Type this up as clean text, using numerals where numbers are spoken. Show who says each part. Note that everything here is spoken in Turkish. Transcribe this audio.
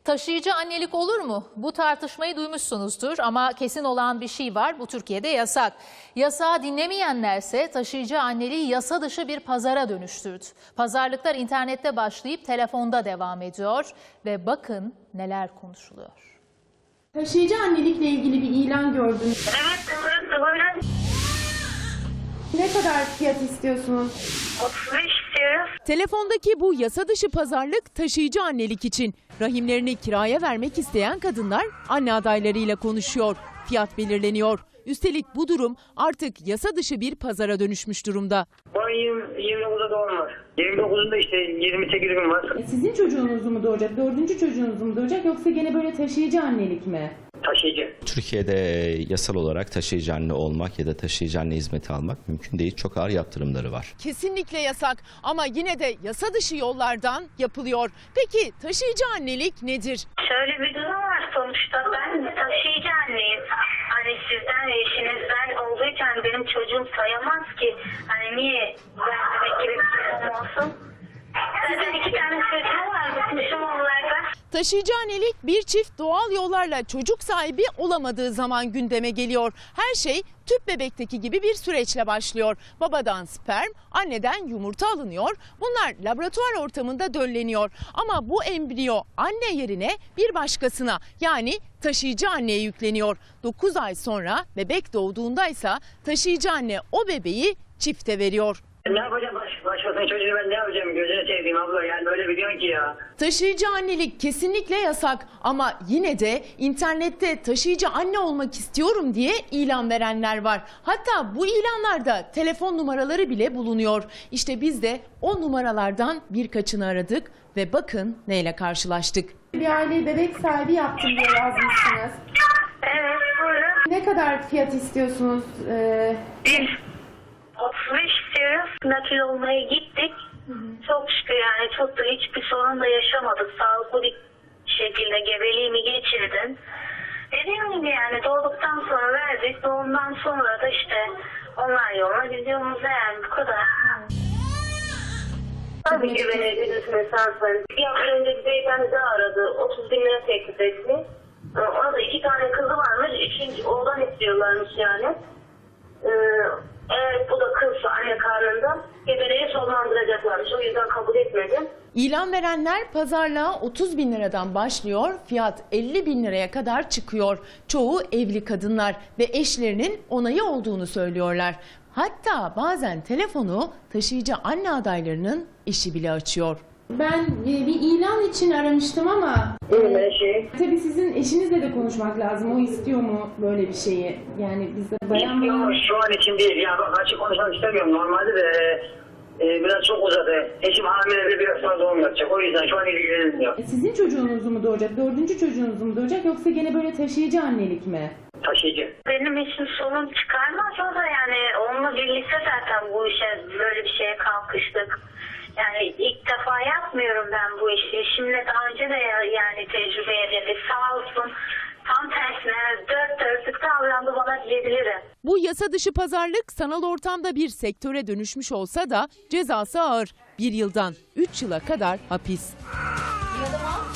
Speaker 1: Taşıyıcı annelik olur mu? Bu tartışmayı duymuşsunuzdur ama kesin olan bir şey var. Bu Türkiye'de yasak. Yasağı dinlemeyenlerse taşıyıcı anneliği yasa dışı bir pazara dönüştürdü. Pazarlıklar internette başlayıp telefonda devam ediyor ve bakın neler konuşuluyor.
Speaker 2: Taşıyıcı annelikle ilgili bir ilan gördüm.
Speaker 3: Evet, böyle.
Speaker 2: Ne kadar fiyat istiyorsunuz?
Speaker 3: 35 istiyoruz.
Speaker 4: Telefondaki bu yasa dışı pazarlık taşıyıcı annelik için. Rahimlerini kiraya vermek isteyen kadınlar anne adaylarıyla konuşuyor. Fiyat belirleniyor. Üstelik bu durum artık yasa dışı bir pazara dönüşmüş durumda.
Speaker 3: Bu ayın 29'da doğum var. 29'unda işte 28 gün var.
Speaker 2: Sizin çocuğunuz mu doğacak, dördüncü çocuğunuz mu doğacak yoksa gene böyle taşıyıcı annelik mi?
Speaker 3: Taşıyıcı.
Speaker 5: Türkiye'de yasal olarak taşıyıcı anne olmak ya da taşıyıcı anne hizmeti almak mümkün değil. Çok ağır yaptırımları var.
Speaker 4: Kesinlikle yasak ama yine de yasa dışı yollardan yapılıyor. Peki taşıyıcı annelik nedir?
Speaker 3: Şöyle bir durum var sonuçta. Ben taşıyıcı anneyim. Hani sizden ve eşinizden olduğuyken benim çocuğum sayamaz ki. Hani niye ben demek gibi bir çocuğum olsun? Zaten 2 tane çocuğum var. Bıkmışım onlardan.
Speaker 4: Taşıyıcı annelik bir çift doğal yollarla çocuk sahibi olamadığı zaman gündeme geliyor. Her şey tüp bebekteki gibi bir süreçle başlıyor. Babadan sperm, anneden yumurta alınıyor. Bunlar laboratuvar ortamında dölleniyor. Ama bu embriyo anne yerine bir başkasına yani taşıyıcı anneye yükleniyor. 9 ay sonra bebek doğduğundaysa taşıyıcı anne o bebeği çifte veriyor.
Speaker 3: Ne yapacağım başkasının çocuğunu ben ne yapacağım gözünü seveyim abla yani böyle biliyorsun ki ya.
Speaker 4: Taşıyıcı annelik kesinlikle yasak ama yine de internette taşıyıcı anne olmak istiyorum diye ilan verenler var. Hatta bu ilanlarda telefon numaraları bile bulunuyor. İşte biz de o numaralardan birkaçını aradık ve bakın neyle karşılaştık.
Speaker 2: Bir aile bebek sahibi yaptım diye yazmışsınız.
Speaker 3: Evet buyurun.
Speaker 2: Ne kadar fiyat istiyorsunuz?
Speaker 3: 35 istiyoruz. Nakil olmaya gittik. Çok şükür yani çok da hiçbir sorun da yaşamadık. Sağlıklı bir şekilde gebeliğimi geçirdim. Dediğim gibi yani doğduktan sonra verdik. Doğumdan sonra da işte onlar yoluna gidiyoruz yani bu kadar. Tabii ki verebiliriz mesajları. Bir hafta önce bir beyefendi daha aradı. 30 bin lira teklif etti. Ona da 2 tane kızı varmış. 3. oğlan istiyorlarmış yani. Evet bu da kız anne karnında gebeliği sonlandıracaklarmış. O yüzden kabul etmedim.
Speaker 4: İlan verenler pazarlığa 30 bin liradan başlıyor, fiyat 50 bin liraya kadar çıkıyor. Çoğu evli kadınlar ve eşlerinin onayı olduğunu söylüyorlar. Hatta bazen telefonu taşıyıcı anne adaylarının eşi bile açıyor.
Speaker 2: Ben bir ilan için aramıştım ama tabii sizin eşinizle de konuşmak lazım. O istiyor mu böyle bir şeyi? Yani bizde bayan
Speaker 3: Yok şu an için değil. Ya bak açık konuşmak istemiyorum. Normalde de biraz çok uzadı. Eşim hamile biraz sonra doğum yapacak. O yüzden şu an ilgilenmiyor.
Speaker 2: Sizin çocuğunuz mu doğacak, dördüncü çocuğunuz mu doğacak yoksa gene böyle taşıyıcı annelik mi?
Speaker 3: Taşıyıcı. Benim için sorun çıkarmaz o da yani. Onunla birlikte zaten bu işe böyle bir şeye kalkıştık. Yani ilk defa yapmıyorum ben bu işi. Eşimle daha önce de yani tecrübe edildi. Sağ olsun tam tersine dört dörtlük davrandı bana diyebilirim.
Speaker 4: Bu yasa dışı pazarlık sanal ortamda bir sektöre dönüşmüş olsa da cezası ağır. 1 yıldan 3 yıla kadar hapis.